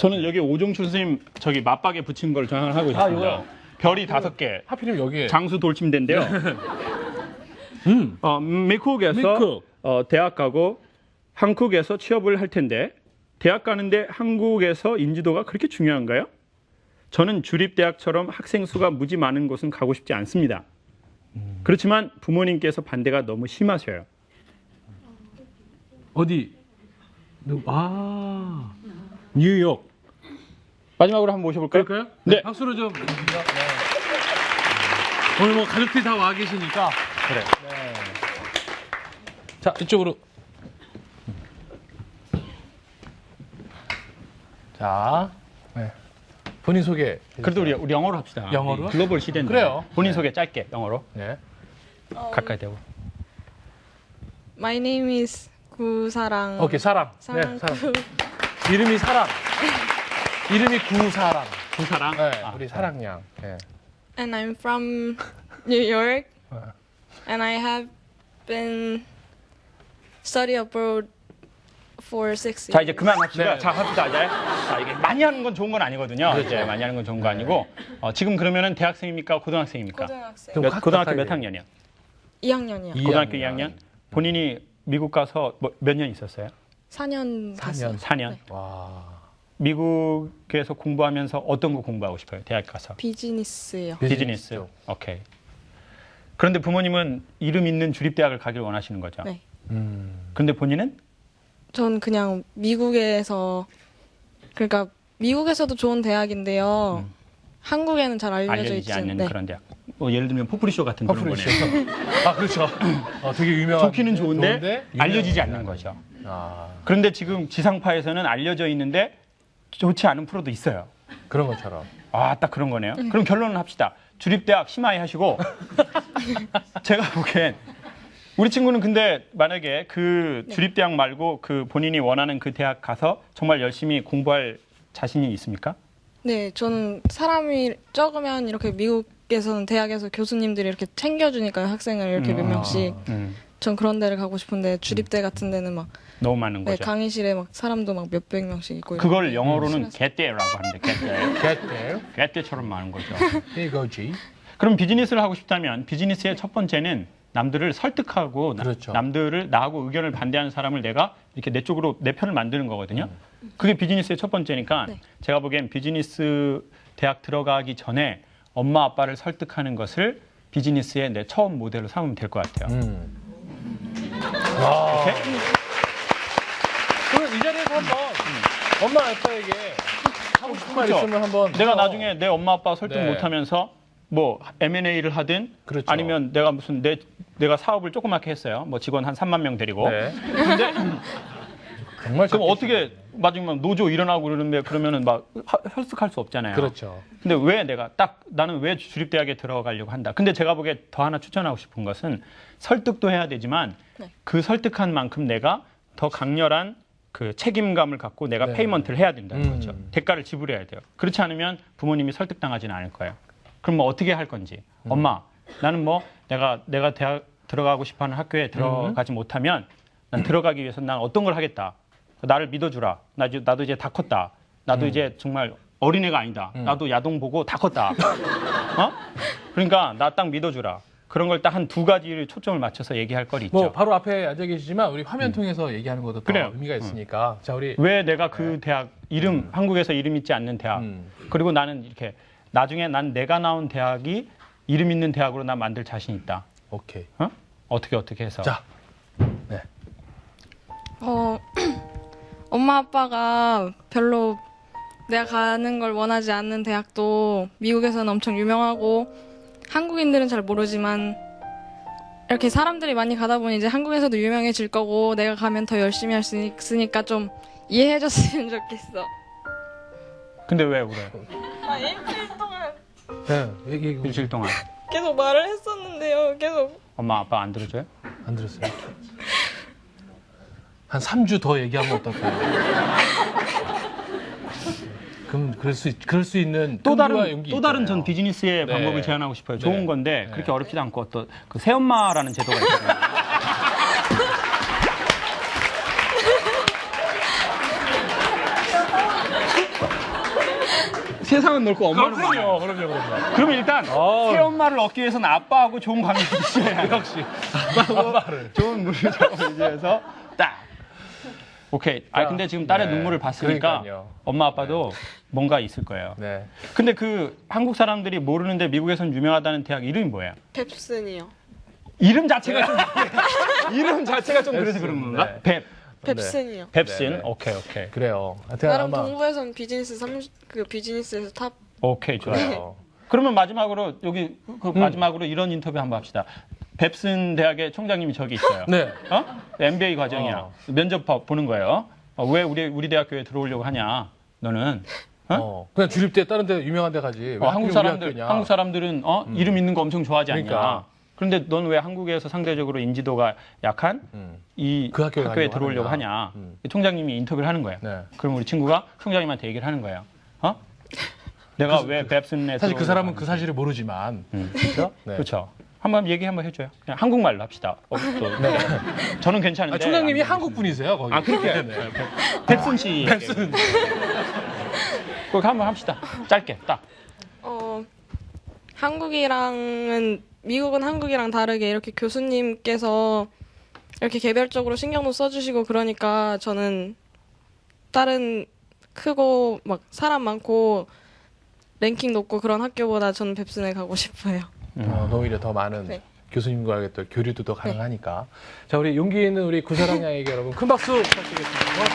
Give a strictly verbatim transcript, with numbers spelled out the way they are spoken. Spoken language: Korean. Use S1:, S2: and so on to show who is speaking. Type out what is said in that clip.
S1: 저는 여기 오종춘 선생님 저기 맞박에 붙인 걸 저장을 하고 있습니다.
S2: 이거요?
S1: 별이 다섯 개.
S2: 하필이면 여기에.
S1: 장수 돌침대인데요.
S2: 음.
S1: 어, 미국에서
S2: 미국.
S1: 어, 대학 가고 한국에서 취업을 할 텐데 대학 가는데 한국에서 인지도가 그렇게 중요한가요? 저는 주립대학처럼 학생 수가 무지 많은 곳은 가고 싶지 않습니다.
S2: 음.
S1: 그렇지만 부모님께서 반대가 너무 심하셔요.
S2: 어디? 누- 아. 뉴욕.
S1: 마지막으로 한번 모셔볼까요?
S2: 그럴까요?
S1: 네.
S2: 박수로 좀. 네. 오늘 뭐 가족들이 다 와 계시니까.
S1: 그래.
S2: 네. 자, 이쪽으로. 자. 네. 본인 소개.
S1: 그래도 우리, 우리 영어로 합시다.
S2: 영어로?
S1: 우리 글로벌 시대인데.
S2: 그래요.
S1: 본인
S2: 네.
S1: 소개 짧게 영어로.
S2: 네.
S1: 가까이 대고.
S3: My name is 구사랑.
S2: 오케이, 사랑.
S3: 사랑.
S2: 네, 사랑. 이름이 사랑. 이름이 구사랑.
S1: 구사랑.
S2: 네,
S1: 아,
S2: 우리 사랑양. 네.
S3: And I'm from New York.
S2: 네.
S3: And I have been study abroad for six years.
S1: 자 이제 그만합시다.
S2: 네.
S1: 자 합시다 이제. 자 이게 많이 하는 건 좋은 건 아니거든요.
S2: 그렇죠.
S1: 이제 많이 하는 건 좋은 거 아니고 어, 지금 그러면은 대학생입니까 고등학생입니까?
S3: 고등학생.
S2: 좀
S1: 몇-
S2: 각-
S1: 고등학교
S2: 가까이
S1: 몇
S2: 돼요.
S1: 학년이야?
S3: 이 학년이요.
S2: 이
S1: 고등학교
S2: 학년.
S1: 이 학년. 본인이 미국 가서 뭐, 몇 년 있었어요?
S3: 사 년
S2: 사 년.
S3: 됐어요.
S1: 사 년.
S3: 네.
S2: 와.
S1: 미국에서 공부하면서 어떤 거 공부하고 싶어요? 대학 가서.
S3: 비즈니스요.
S1: 비즈니스. 오케이. 그런데 부모님은 이름 있는 주립대학을 가길 원하시는 거죠.
S3: 네.
S2: 음.
S1: 그런데 본인은
S3: 전 그냥 미국에서 그러니까 미국에서도 좋은 대학인데요.
S1: 음.
S3: 한국에는 잘 알려져
S1: 알려지지
S3: 있지
S1: 않는
S3: 네.
S1: 그런 대학. 뭐 예를 들면 포프리쇼 같은 그런
S2: 퍼플리쇼.
S1: 거네요.
S2: 아, 그렇죠. 어, 되게 유명한.
S1: 좋기는 좋은데,
S2: 좋은데
S1: 알려지지
S2: 유명한
S1: 않는 거죠.
S2: 아,
S1: 그런데 지금 지상파에서는 알려져 있는데 좋지 않은 프로도 있어요.
S2: 그런 것처럼.
S1: 아, 딱 그런 거네요. 그럼 결론은 합시다. 주립대학 심하게 하시고 제가 보기엔 우리 친구는 근데 만약에 그 주립대학 말고 그 본인이 원하는 그 대학 가서 정말 열심히 공부할 자신이 있습니까?
S3: 네, 저는 사람이 적으면 이렇게 미국에서는 대학에서 교수님들이 이렇게 챙겨주니까요, 학생을 이렇게 몇
S1: 음.
S3: 명씩.
S1: 음,
S3: 전 그런 데를 가고 싶은데 주립대 같은 데는 막
S1: 너무 많은
S3: 네,
S1: 거죠.
S3: 강의실에 막 사람도 막 몇백 명씩 있고.
S1: 그걸
S3: 이렇게.
S1: 영어로는
S3: 싫어서.
S1: 개떼라고 하는데 개떼.
S2: Get there.
S1: 개떼처럼 많은 거죠.
S2: 이거지.
S1: 그럼 비즈니스를 하고 싶다면 비즈니스의 첫 번째는 남들을 설득하고 나-
S2: 그렇죠.
S1: 남들을 나하고 의견을 반대하는 사람을 내가 이렇게 내 쪽으로 내 편을 만드는 거거든요. 그게 비즈니스의 첫 번째니까
S3: 네.
S1: 제가 보기엔 비즈니스 대학 들어가기 전에 엄마 아빠를 설득하는 것을 비즈니스의 내 처음 모델로 삼으면 될 것 같아요.
S2: 음. 와.
S1: 오케이?
S2: 그럼 이 자리에서 한번 엄마 아빠에게 하고 싶은 말
S1: 그렇죠.
S2: 있으면 한번
S1: 내가
S2: 어.
S1: 나중에 내 엄마 아빠 설득
S2: 네.
S1: 못하면서 뭐 엠 앤 에이를 하든
S2: 그렇죠.
S1: 아니면 내가 무슨 내 내가 사업을 조그맣게 했어요. 뭐 직원 한 삼만 명 데리고.
S2: 네.
S1: 근데
S2: 정말
S1: 그럼
S2: 작게
S1: 어떻게 마지막 노조 일어나고 그러는데 그러면은 막 하- 설득할 수 없잖아요.
S2: 그렇죠.
S1: 근데 왜 내가 딱 나는 왜 주립대학에 들어가려고 한다. 근데 제가 보기에 더 하나 추천하고 싶은 것은 설득도 해야 되지만
S3: 네.
S1: 그 설득한 만큼 내가 더 강렬한 그 책임감을 갖고 내가
S2: 네.
S1: 페이먼트를 해야 된다는
S2: 음.
S1: 거죠. 대가를 지불해야 돼요. 그렇지 않으면 부모님이 설득당하지는 않을 거예요. 그럼 뭐 어떻게 할 건지.
S2: 음.
S1: 엄마, 나는 뭐 내가 내가 대학 들어가고 싶어하는 학교에 들어가지
S2: 음.
S1: 못하면 난 들어가기 위해서 난 어떤 걸 하겠다. 나를 믿어주라. 나, 이제- 나도 이제 다 컸다. 나도
S2: 음.
S1: 이제 정말 어린애가 아니다.
S2: 음.
S1: 나도 야동 보고 다 컸다. 어? 그러니까 나 딱 믿어주라. 그런 걸 딱 한 두 가지를 초점을 맞춰서 얘기할 거리 있죠.
S2: 뭐 바로 앞에 앉아 계시지만 우리 화면 통해서 얘기하는 것도 더
S1: 그래요.
S2: 의미가 있으니까. 자, 우리
S1: 왜 내가 그 대학 이름 한국에서 이름 있지 않는 대학
S2: 음.
S1: 그리고 나는 이렇게 나중에 난 내가 나온 대학이 이름 있는 대학으로 나 만들 자신 있다.
S2: 오케이.
S1: 어? 어떻게 어떻게 해서?
S2: 자. 네.
S3: 어, 엄마 아빠가 별로 내가 가는 걸 원하지 않는 대학도 미국에서는 엄청 유명하고 한국인들은 잘 모르지만 이렇게 사람들이 많이 가다 보니 이제 한국에서도 유명해질 거고 내가 가면 더 열심히 할 수 있으니까 좀 이해해줬으면 좋겠어.
S1: 근데 왜 그래?
S3: 아, 일주일 동안
S2: 네. 얘기
S1: 일주일 동안
S3: 계속 말을 했었는데요. 계속
S1: 엄마 아빠 안 들어줘요?
S2: 안 들었어요. 한 삼 주 더 얘기하면 어떨까요? 그럼 그럴 수 있, 그럴 수 있는
S1: 또
S2: 끈기와
S1: 다른
S2: 용기
S1: 또 다른
S2: 있잖아요.
S1: 전 비즈니스의
S2: 네.
S1: 방법을 제안하고 싶어요.
S2: 네.
S1: 좋은 건데
S2: 네.
S1: 그렇게 어렵지도 않고 또 그 새엄마라는 제도가 있거든요. 세상은 넓고
S2: 아,
S1: 엄마는
S2: 그럼요, 그럼요, 그럼요.
S1: 그러면 일단
S2: 어.
S1: 새 엄마를 얻기 위해서는 아빠하고 좋은 관계를 있어야 해요.
S2: 역시 아빠를.
S1: 좋은 물리적으로 유지해서 딱. 오케이. 아
S2: 자,
S1: 근데 지금 딸의
S2: 네.
S1: 눈물을 봤으니까
S2: 그러니까요.
S1: 엄마 아빠도 뭔가 있을 거예요.
S2: 네.
S1: 근데 그 한국 사람들이 모르는데 미국에선 유명하다는 대학 이름이 뭐예요?
S4: 뱁슨이요.
S1: 이름 자체가 좀 이름 자체가 좀 그래서 그런 건가?
S2: 네.
S1: 뱁.
S4: 뱁슨이요.
S1: 뱁슨.
S2: 네, 네.
S1: 오케이 오케이.
S2: 그래요. 하여튼
S4: 나름
S2: 아마
S4: 동부에선 비즈니스 삼십 그 비즈니스에서 탑.
S1: 오케이 좋아요.
S2: 그래요.
S1: 그러면 마지막으로 여기 그 마지막으로 이런 인터뷰 한번 합시다. 뱁슨 대학의 총장님이 저기 있어요.
S2: 네.
S1: 어? 엠비에이 과정이야.
S2: 어.
S1: 면접 봐- 보는 거예요. 어, 왜 우리 우리 대학교에 들어오려고 하냐? 너는 어?
S2: 어. 그냥 주립대 다른 데 유명한 데 가지. 왜
S1: 어, 한국
S2: 우리
S1: 사람들
S2: 학교냐.
S1: 한국 사람들은 어? 이름 있는 거 엄청 좋아하지 않냐?
S2: 그러니까.
S1: 그런데 넌 왜 한국에서 상대적으로 인지도가 약한
S2: 음.
S1: 이
S2: 그 학교에
S1: 학교에
S2: 가려고
S1: 들어오려고
S2: 하느냐.
S1: 하냐?
S2: 음.
S1: 총장님이 인터뷰를 하는 거예요.
S2: 네.
S1: 그럼 우리 친구가 총장님한테 얘기를 하는 거예요. 어? 내가 왜 뱁슨에
S2: 사실 그
S1: 들어오려고
S2: 사람은 그
S1: 하는지.
S2: 사실을 모르지만.
S1: 음.
S2: 그렇죠? 네.
S1: 그렇죠. 한번 얘기 한번 해줘요. 그냥 한국말로 합시다. 어, 또.
S2: 네.
S1: 저는 괜찮은데.
S2: 아, 총장님이
S1: 안
S2: 한국 분이세요, 거기.
S1: 아 그렇게
S2: 네.
S1: 뱁슨 씨.
S2: 뱁슨.
S1: 그렇게 한번 합시다. 짧게 딱.
S4: 어 한국이랑은 미국은 한국이랑 다르게 이렇게 교수님께서 이렇게 개별적으로 신경도 써주시고 그러니까 저는 다른 크고 막 사람 많고 랭킹 높고 그런 학교보다 저는 뱁슨에 가고 싶어요.
S2: 어, 오히려 더 많은
S4: 네.
S2: 교수님과의 또 교류도 더 가능하니까. 자, 우리 용기 있는 우리 구사랑 양에게 여러분 큰 박수 부탁드리겠습니다. 고맙습니다.